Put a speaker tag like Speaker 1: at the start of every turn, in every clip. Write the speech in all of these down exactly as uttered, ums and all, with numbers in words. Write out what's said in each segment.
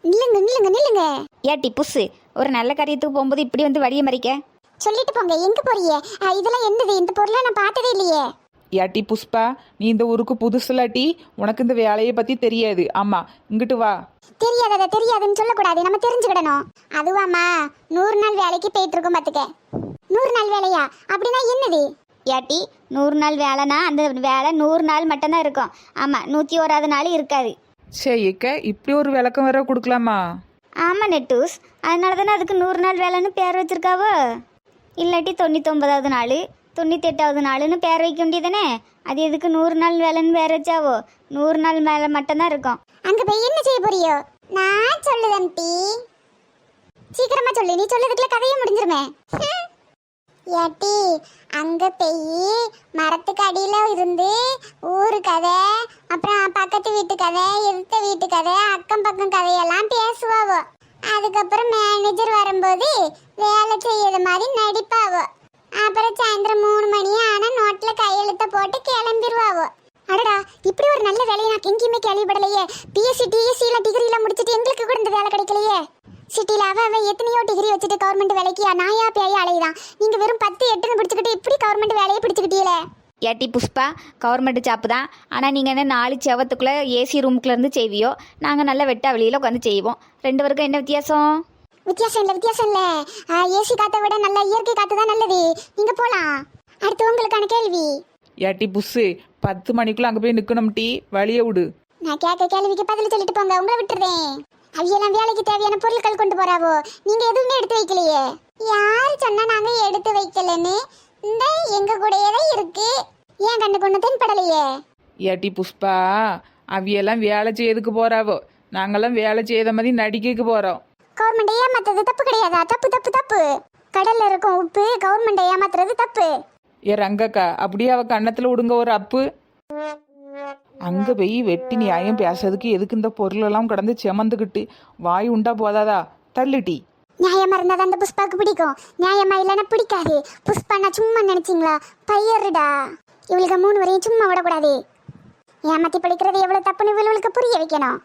Speaker 1: நில்லுங்க நில்லுங்க நில்லுங்க.
Speaker 2: ஏட்டி புஸ்ஸு, ஒரு நல்ல காரியத்துக்கு போகும்போது இப்படி வந்து வழியை மறிக்க
Speaker 1: சொல்லிட்டு போங்க. எங்க போறீங்க? அஹ், இதெல்லாம் என்னது? இந்த பொருளை நான் பார்த்ததே இல்லையே.
Speaker 3: ஏட்டி புஷ்பா, நீ இந்த ஊருக்கு புதுசுலாட்டி, உனக்கு இந்த வேலையை பத்தி தெரியாது. ஆமா, இங்கிட்டு வா.
Speaker 1: தெரியாதத தெரியாதுன்னு சொல்லக்கூடாது, நம்ம தெரிஞ்சுக்கிடணும். அதுவாமா, நூறு நாள் வேலைக்கு போயிட்டு இருக்கோம் பாத்துக்க. நூறு நாள் வேலையா? அப்படின்னா என்னது?
Speaker 2: ஏட்டி, நூறு நாள் வேலைனா அந்த வேலை நூறு நாள் மட்டும்தான் இருக்கும். ஆமாம், நூற்றி ஓராது நாள் இருக்காது.
Speaker 3: சேக்க இப்படி ஒரு விளக்கம் வேற கொடுக்கலாமா?
Speaker 2: ஆமாம் நெட்டூஸ், அதனால தானே அதுக்கு நூறு நாள் வேலைன்னு பேர் வச்சிருக்காவோ. இல்லாட்டி தொண்ணூத்தொம்பதாவது நாள் தொண்ணூற்றி எட்டாவது நாளுன்னு பேர் வைக்க வேண்டியதானே. அது எதுக்கு நூறு நாள் வேலைன்னு பேர் வச்சாவோ? நூறு நாள் வேலை மட்டும்தான் இருக்கும்.
Speaker 1: அங்க போய் என்ன செய்ய போறியோ? நான் சொல்லுதேன் டி. சீக்கிரமா சொல்லு, நீ சொல்லதுக்குள்ள கதையே முடிஞ்சிருமே. ஏட்டி, அங்க போய் மரத்துக்கு அடியில இருந்து ஊரு கதை, அப்புறம் பக்கத்து வீட்டு கதை, எதிர்த்த வீட்டு கதை, அக்கம் பக்கம் கதையெல்லாம் பேசுவாவோ. அதுக்கப்புறம் மேனேஜர் வரும்போது வேலை செய்யற மாதிரி நடிப்பாவோ. அப்புறம் சாயந்தரம் மூணு மணி ஆனா நோட்ல கையெழுத்த போட்டு கிளம்பிடுவாவோ. அடடா, இப்படி ஒரு நல்ல வேலையை நான் எங்கேயுமே கேள்விப்படலையே. பிஎஸ்சி டிஎஸ்சி எல்லாம் டிகிரி எல்லாம் முடிச்சுட்டு எங்களுக்கு கூட இந்த வேலை கிடைக்கலையே. சிட்டியில் அவ அவ எத்தனையோ டிகிரி வச்சுட்டு கவர்மெண்ட் வேலைக்கு நாயா பேயா அலையுதான். நீங்க வெறும் பத்து எட்டுன்னு பிடிச்சிக்கிட்டு இப்படி கவர்மெண்ட் வேலையை பிடிச்சிக்கிட்டீங்களே.
Speaker 2: ஏட்டி புஷ்பா, கவர்மெண்ட் ஜாப்பு தான். ஆனால் நீங்கள் என்ன நாலு செவத்துக்குள்ளே ஏசி ரூமுக்குள்ளேருந்து செய்வியோ, நாங்கள் நல்ல வெட்டா வெளியில் உட்காந்து செய்வோம். ரெண்டு பேருக்கும் என்ன வித்தியாசம்?
Speaker 1: வித்தியாசம் இல்லை வித்தியாசம் இல்லை. ஏசி காற்றை விட நல்ல இயற்கை காற்று தான் நல்லது. நீங்க போலாம். அடுத்து உங்களுக்கான கேள்வி.
Speaker 3: ஏட்டி புஷ்ஷு, பத்து மணிக்குள்ள அங்க போய் நிக்கணும் டீ, வழிய விடு.
Speaker 1: நான் கேட்க கேள்விக்கு பதில் சொல்லிட்டு போங்க, உங்களை விட்டுறேன். அவையெல்லாம் வேலைக்கு தேவையான பொருட்கள் கொண்டு போறாவோ, நீங்க எதுவுமே எடுத்து வைக்கலையே. யாரு சொன்னா நாங்க எடுத்து வைக்கலன்னு? இந்த எங்க கூடயே தான் இருக்கு. ஏன் கண்ணு கொண்டு தென்படலையே?
Speaker 3: ஏட்டி புஷ்பா, அவியெல்லாம் வேலை செய்யறதுக்கு போறாவோ, நாங்கெல்லாம் வேலை செய்யற மாதிரி நடிக்க போறோம்.
Speaker 1: கவர்மெண்ட் ஏமாத்துறது தப்பு கிடையாதா? தப்பு தப்பு தப்பு. கடல்ல இருக்கும் உப்பு கவர்மெண்ட் ஏமாத்துறது தப்பு.
Speaker 3: ஏ ரங்கக்கா, அப்படியே அவ கன்னத்துல விடுங்க ஒரு அப்பு. அங்க போய் வெட்டி நியாயம் பேசுறதுக்கு எதுக்கு இந்த பொருளெல்லாம் கடந்து செமந்துக்கிட்டு வாய் உண்டா போதாதா? தள்ளுட்டி.
Speaker 1: நியாயமா இருந்தா தான் அந்த புஷ்பாக்கு பிடிக்கும். நியாயமா இல்லைன்னா பிடிக்காது. புஷ்பானா சும்மா நினைச்சிங்களா? பையருடா. இவளுக்கு மூணு வரையும் சும்மா விடக்கூடாது. ஏமாத்தி படிக்கிறது எவ்வளவு தப்புன்னு இவளுக்கு புரிய வைக்கணும்.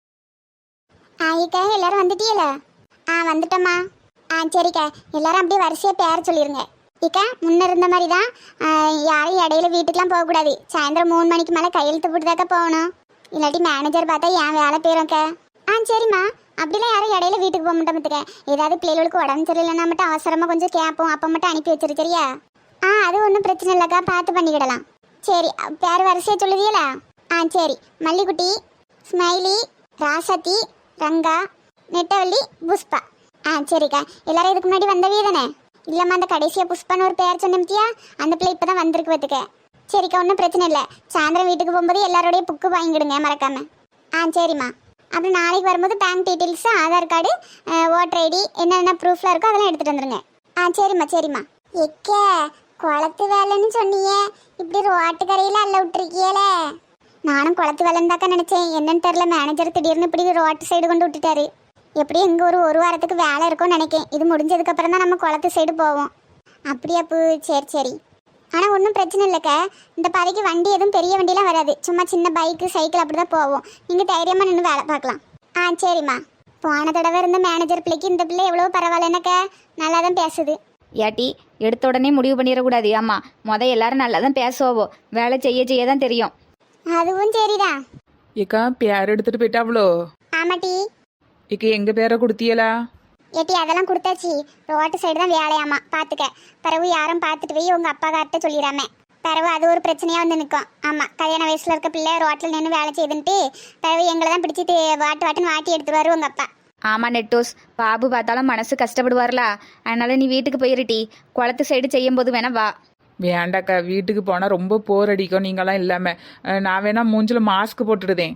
Speaker 1: ஆயிக்கா, எல்லாரும் வந்துட்டீல? ஆ வந்துட்டோம்மா. ஆ சரிக்கா, எல்லாரும் அப்படியே வரிசையா பேர் சொல்லிருங்க. இக்கா, முன்ன இருந்த மாதிரி தான். யாரும் இடையில வீட்டுக்கெலாம் போகக்கூடாது. சாயந்தரம் மூணு மணிக்கு மேலே கையெழுத்து போட்டுதாக்கா போகணும். இல்லாட்டி மேனேஜர் பார்த்தா ஏன் வேலை போயிரும்க்கா. ஆ சரிம்மா, அப்படிலாம் யாரும் இடையில வீட்டுக்கு போக மாட்டோம் பார்த்துக்க. ஏதாவது பிள்ளைகளுக்கு உடம்பு சரியில்லைன்னா மட்டும் அவசரமாக கொஞ்சம் கேட்போம், அப்போ மட்டும் அனுப்பி வச்சிரு சரியா? ஆ அது ஒன்றும் பிரச்சனை இல்லைக்கா, பார்த்து பண்ணிக்கிடலாம். சரி, பேர் வரிசையாக சொல்லுதியலா? ஆ சரி. மல்லிக்குட்டி, ஸ்மைலி, ராசதி, ரங்கா, நெட்டவள்ளி, புஷ்பா. ஆ சரிக்கா, எல்லாரும் இதுக்கு முன்னாடி வந்தவே தானே? இல்லம்மா, அந்த கடைசியா புஷ்பான்னு ஒரு பேர் சொன்னோம்த்தியா, அந்த பிள்ளை இப்பதான் வந்திருக்கு பார்த்துக்க. சரிக்கா, ஒன்றும் பிரச்சனை இல்லை. சாயந்தரம் வீட்டுக்கு போகும்போது எல்லாரோடைய புக்கு வாங்கிடுங்க மறக்காம. ஆ சரிம்மா. அப்புறம் நாளைக்கு வரும்போது bank details, Aadhaar card, voter ID, என்னென்ன ப்ரூஃப்லாம் இருக்கோ அதெல்லாம் எடுத்துகிட்டு வந்துடுங்க. ஆ சரிம்மா சரிம்மா. எக்க குளத்து வேலைன்னு சொன்னீங்க, இப்படி ரோட்டு கரையில் அல்ல விட்டுருக்கியலே. நானும் குளத்து வேலைன்னு தாக்கா நினச்சேன். என்னன்னு தெரில, மேனேஜர் திடீர்னு இப்படி ரோட்டு சைடு கொண்டு விட்டுட்டாரு. எப்படியும் இங்கே ஒரு ஒரு வாரத்துக்கு வேலை இருக்கும்னு நினைக்கேன். இது முடிஞ்சதுக்கப்புறம் தான் நம்ம குளத்து சைடு போவோம். அப்படியா பூ? சரி சரி. ஆனால் ஒன்றும் பிரச்சனை இல்லைக்கா. இந்த பாதைக்கு வண்டி எதுவும் பெரிய வண்டிலாம் வராது. சும்மா சின்ன பைக்கு சைக்கிள் அப்படி தான் போவோம். நீங்கள் தைரியமாக நின்று வேலை பார்க்கலாம். ஆ சரிம்மா. போன தடவை இருந்த மேனேஜர் பிள்ளைக்கு இந்த பிள்ளை எவ்வளோ பரவாயில்லனாக்கா, நல்லா தான் பேசுது.
Speaker 2: ஏட்டி, எடுத்த உடனே முடிவு பண்ணிடக்கூடாது. ஆமாம், மொதல் எல்லாரும் நல்லா தான் பேசுவோவோ, வேலை செய்ய செய்ய தான் தெரியும்.
Speaker 1: அதுவும் சரிதான்.
Speaker 3: ஏக்கா, பேர் எடுத்துட்டு போயிட்டாவளோ?
Speaker 1: ஆமாட்டி.
Speaker 3: ஏக்கா, எங்க பேரை கொடுத்தியலா?
Speaker 1: ஏட்டி, அதெல்லாம் கொடுத்தாச்சு. ரோட்டு சைடு தான் வேலையாமா, பார்த்துக்க. பிறகு யாரும் பார்த்துட்டு போய் உங்கள் அப்பா கார்ட்ட சொல்லிடாம. பிறகு அது ஒரு பிரச்சனையாக வந்து நிற்கும். ஆமாம், கல்யாண வயசில் இருக்க பிள்ளை ரோட்டில் நின்று வேலை செய்துன்ட்டு பிறகு எங்களை தான் பிடிச்சி வாட்டு வாட்டுன்னு வாட்டி எடுத்துருவாரு உங்கள் அப்பா.
Speaker 2: ஆமாம் நெட்டோஸ், பாபு பார்த்தாலும் மனசு கஷ்டப்படுவார்ல. அதனால நீ வீட்டுக்கு போயிருட்டி, குளத்து சைடு செய்யும் போது வேணா வா.
Speaker 3: வேண்டாக்கா, வீட்டுக்கு போனால் ரொம்ப போர் அடிக்கும் நீங்களாம் இல்லாமல். நான் வேணா மூஞ்சில் மாஸ்க் போட்டுடுதேன்.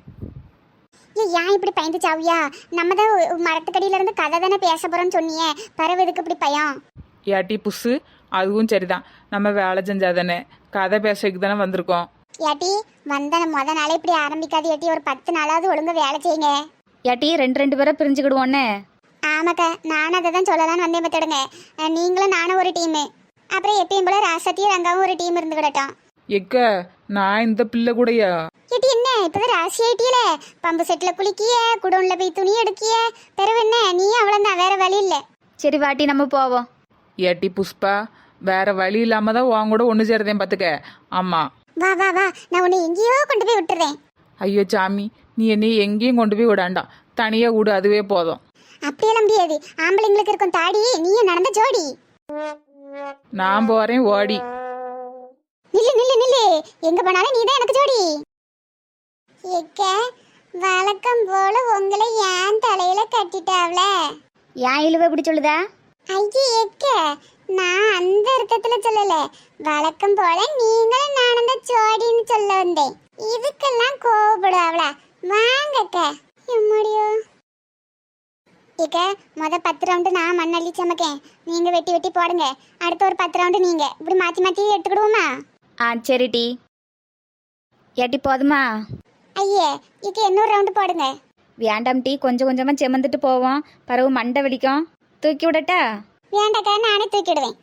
Speaker 1: ஏன் ஏன் இப்படி பயந்து சாவியா? நம்ம தான் மரத்துக்கடியில இருந்து கதை தானே பேச போறோம்னு சொன்னியே, பறவை எதுக்கு இப்படி பயம்?
Speaker 3: ஏட்டி புஸ்ஸு, அதுவும் சரிதான். நம்ம வேலை செஞ்சாதானே, கதை பேசுறதுக்கு தானே வந்திருக்கோம்.
Speaker 1: ஏட்டி, வந்த முத நாளே இப்படி ஆரம்பிக்காது ஏட்டி. ஒரு பத்து நாளாவது ஒழுங்கா வேலை செய்யுங்க.
Speaker 2: ஏட்டி, ரெண்டு ரெண்டு பேரை பிரிஞ்சுக்கிடுவோன்னு.
Speaker 1: ஆமாக்கா, நானும் அதை தான் சொல்லலான்னு வந்தேன் பார்த்துடுங்க. நீங்களும் நானும் ஒரு டீமு, அப்புறம் எப்பயும் போல ராசத்தியும் ரங்காவும் ஒரு டீம் இருந்து கிடட்டோம்.
Speaker 3: எக்க, நான் இந்த பிள்ளை கூடயா?
Speaker 1: ஏட்டி என்ன இப்பதான் ராசி ஆயிட்டியல, பம்பு செட்ல குளிக்கிய, குடோன்ல போய் துணி எடுக்கிய, பிறகு என்ன நீ அவ்வளவுதான், வேற வழி இல்ல.
Speaker 2: சரி வாட்டி நம்ம போவோம்.
Speaker 3: ஏட்டி புஷ்பா, வேற வழி இல்லாம தான் உன் கூட ஒன்று சேருதேன் பார்த்துக்க. ஆமா,
Speaker 1: வா வா வா, நான் உன்னை எங்கேயோ கொண்டு போய் விட்டுறேன்.
Speaker 3: ஐயோ சாமி, நீ என்னை எங்கேயும் கொண்டு போய் விடாண்டாம், தனியா விடு, அதுவே போதும்.
Speaker 1: அப்படியெல்லாம் முடியாது, ஆம்பளைங்களுக்கு இருக்கும் தாடி, நீயும் நடந்த ஜோடி.
Speaker 3: நான் போறேன் ஓடி.
Speaker 1: நில்லு நில்லு நில்லு, எங்க போனாலும் நீதான் எனக்கு ஜோடி. ஏக்க வழக்கம் போல உங்களை ஏன் தலையில கட்டிட்டாவ்ல?
Speaker 2: ஏன் இழுவ இப்படி சொல்லுதா?
Speaker 1: ஐயே ஏக்க, நான் அந்த அர்த்தத்துல சொல்லல, வழக்கம் போல நீங்களும் நானும் தான் ஜோடின்னு சொல்ல வந்தேன். இதுக்கெல்லாம் கோவப்படுவாவ்ல? வாங்கக்க. எம்மாடியோ ஏக்க, முத பத்து ரவுண்டு நான் மண்ணள்ளி சமைக்கேன், நீங்க வெட்டி வெட்டி போடுங்க. அடுத்த ஒரு பத்து ரவுண்டு நீங்க, இப்படி மாத்தி மாத்தி எடுத்துக்கிடுவோமா?
Speaker 2: ஆ சரி டி. ஏட்டி போதுமா?
Speaker 1: ஐயே இக்க இன்னொரு ரவுண்டு போடுங்க.
Speaker 2: வேண்டாம் டீ, கொஞ்சம் கொஞ்சமாக செமந்துட்டு போவோம், பிறகு மண்டை வலிக்கும். தூக்கி விடட்டா?
Speaker 1: வேண்டாக்கா, நானே தூக்கிடுவேன்.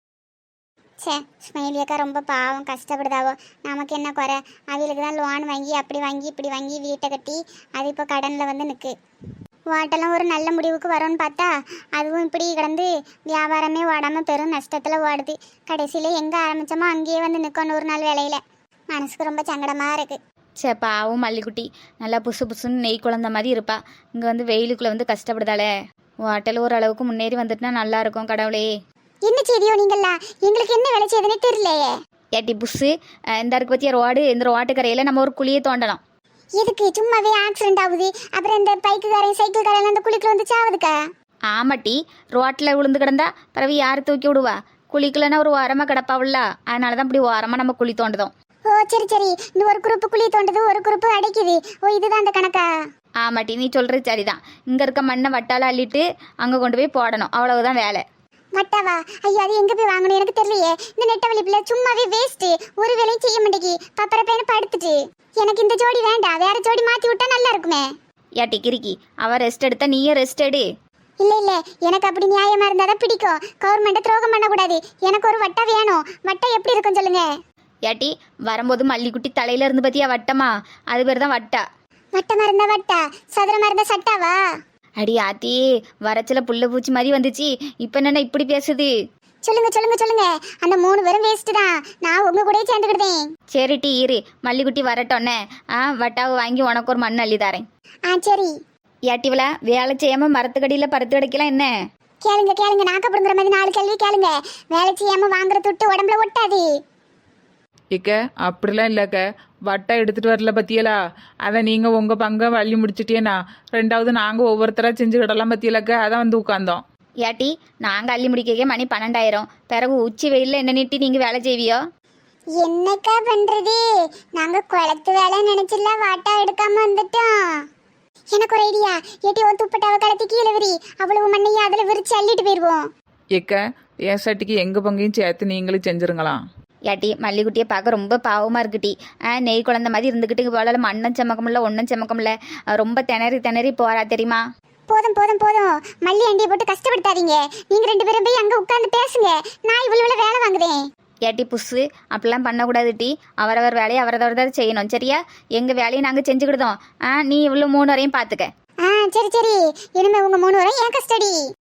Speaker 1: சே, ஸ்மைலி அக்கா ரொம்ப பாவம், கஷ்டப்படுதாவோ. நமக்கு என்ன குறை, அவளுக்கு தான் லோன் வாங்கி அப்படி வாங்கி இப்படி வாங்கி வீட்டை கட்டி அது இப்போ கடனில் வந்து நிற்கு. வாட்டெல்லாம் ஒரு நல்ல முடிவுக்கு வரும்னு பார்த்தா அதுவும் இப்படி கிடந்து வியாபாரமே ஓடாமல் பெரும் நஷ்டத்தில் ஓடுது. கடைசியில் எங்கே ஆரம்பித்தோமோ அங்கேயே வந்து நிற்கும் நூறு நாள் வேலையில். மனசுக்கு ரொம்ப சங்கடமாக இருக்குது.
Speaker 2: சே பாவும் மல்லிக்குட்டி, நல்லா புசு புசுன்னு நெய் குழந்த மாதிரி இருப்பா. இங்கே வந்து வெயிலுக்குள்ளே வந்து கஷ்டப்படுதாளே. ஹோட்டல் ஓரளவுக்கு முன்னேறி வந்துட்டுனா நல்லா இருக்கும். கடவுளே,
Speaker 1: என்ன செய்தியோ நீங்களா, எங்களுக்கு என்ன வேலை செய்யுதுன்னே தெரியலையே.
Speaker 2: ஏட்டி புஸ்ஸு, இந்த இருக்கு பற்றிய ரோடு, இந்த ரோட்டுக்கரையில் நம்ம ஒரு குழியை தோண்டலாம்.
Speaker 1: எதுக்கு? சும்மாவே ஆக்சிடென்ட் ஆகுது, அப்புறம் இந்த பைக்குக்காரன் சைக்கிள்காரன் அந்த குளிக்குள்ள வந்து சாவுதுக்கா.
Speaker 2: ஆமாட்டி, ரோட்டில் விழுந்து கிடந்தா பிறகு யார் தூக்கி விடுவா? குழிக்குள்ளனா ஒரு ஓரமாக கிடப்பாவுல்ல, அதனால தான் இப்படி ஓரமாக நம்ம குழி தோண்டுதோம்.
Speaker 1: ஓ சரி சரி, இந்த ஒரு குரூப்பு குழி தோண்டது, ஒரு குரூப்பு அடைக்குது. ஓ இதுதான் அந்த கணக்கா?
Speaker 2: ஆமாட்டி, நீ சொல்கிறது சரிதான். இங்கே இருக்க மண்ணை வட்டால அள்ளிட்டு அங்கே கொண்டு போய் போடணும், அவ்வளவுதான் வேலை.
Speaker 1: மட்டாவா? ஐயோ அது எங்க போய் வாங்கணும் எனக்கு தெரியலையே. இந்த நெட்ட வலிப்புல சும்மாவே வேஸ்ட், ஒரு வேலையும் செய்ய மாட்டேங்கி பப்பர பையனை படுத்துட்டு. எனக்கு இந்த ஜோடி வேண்டாம், வேற ஜோடி மாத்தி விட்டா நல்லா இருக்குமே.
Speaker 2: ஏட்டி கிறுக்கி, அவ ரெஸ்ட் எடுத்தா நீயே ரெஸ்ட் எடு.
Speaker 1: இல்ல இல்ல, எனக்கு அப்படி நியாயமா இருந்தாதான் பிடிக்கும். கவர்மெண்ட்டை துரோகம் பண்ணக்கூடாது. எனக்கு ஒரு வட்டா வேணும். வட்டா எப்படி இருக்கும் சொல்லுங்க.
Speaker 2: ஏட்டி, வரும்போது மல்லிக்குட்டி தலையில இருந்து பத்தியா வட்டமா? அது பேர் தான் வட்டா.
Speaker 1: வட்டமா இருந்தா வட்டா, சதுரமா இருந்தா சட்டாவா?
Speaker 2: அடி ஆத்தி, வரச்சில புள்ள பூச்சி மாதிரி வந்துச்சு. இப்போ என்னென்ன இப்படி பேசுது?
Speaker 1: சொல்லுங்க சொல்லுங்க சொல்லுங்க, அந்த மூணு பேரும் வேஸ்ட் தான், நான் உங்க கூடயே சேர்ந்துக்கிட்டேன்.
Speaker 2: சரி டி இரு, மல்லிக்குட்டி வரட்டோன்னே ஆ வட்டாவை வாங்கி உனக்கு ஒரு மண் அள்ளி தரேன்.
Speaker 1: ஆ சரி.
Speaker 2: ஏட்டிவளா, வேலை செய்யாம மரத்துக்கடியில் பருத்து கிடைக்கலாம் என்ன?
Speaker 1: கேளுங்க கேளுங்க, நாக்க பிடுங்குற மாதிரி நாலு கேள்வி கேளுங்க. வேலை செய்யாம வாங்குற துட்டு உடம்புல ஒட்டாது.
Speaker 3: இக்க அப்படிலாம் இல்லைக்க, வட்டை எடுத்துட்டு வரல பத்தியலா, அதை நீங்க உங்க பங்கை வள்ளி முடிச்சிட்டேனா, ரெண்டாவது நாங்க ஒவ்வொருத்தரா செஞ்சுக்கிடலாம் பத்தியலாக்க, அதான் வந்து உட்காந்தோம்.
Speaker 2: ஏட்டி, நாங்கள் அள்ளி முடிக்க மணி பன்னெண்டாயிரம், பிறகு உச்சி வெயிலில் என்ன நீட்டி நீங்கள் வேலை செய்வியோ?
Speaker 1: என்னக்கா பண்றது, நாங்க குளத்து வேலை நினைச்சில வாட்டா எடுக்காம வந்துட்டோம். எனக்கு ஒரு ஐடியா, ஏட்டி ஒரு துப்பட்டாவை கலத்தி கீழே விரி, அவ்வளவு மண்ணையும் அதுல விரிச்சு அள்ளிட்டு போயிருவோம்.
Speaker 3: இக்க என் சட்டிக்கு எங்க பங்கையும் சேர்த்து நீங்களும் செஞ்சிருங்களாம்.
Speaker 2: ஏட்டி, மல்லிக்குட்டியை பார்க்க ரொம்ப பாவமாக இருக்குட்டி. ஆ நெய் குழந்த மாதிரி இருந்துக்கிட்டு போல மண்ணும் செமக்கமில்ல ஒன்றும் செமக்கமில்ல, ரொம்ப திணறி திணறி போறா தெரியுமா?
Speaker 1: போதும் போதும் போதும், மல்லி அண்டியை போட்டு கஷ்டப்படுத்தாதீங்க. நீங்க ரெண்டு பேரும் போய் அங்க உட்கார்ந்து பேசுங்க, நான் இவ்வளவு வேலை வாங்குறேன்.
Speaker 2: ஏட்டி புஸ்ஸு, அப்படிலாம் பண்ணக்கூடாது டி. அவரவர் வேலையை அவரவர் தான் செய்யணும், சரியா? எங்கள் வேலையை நாங்கள் செஞ்சுக்கிட்டோம். ஆ நீ இவ்வளோ மூணு வரையும் பார்த்துக்க.
Speaker 1: ஆ சரி சரி, இனிமே உங்க மூணு வரையும் என் கஸ்டடி.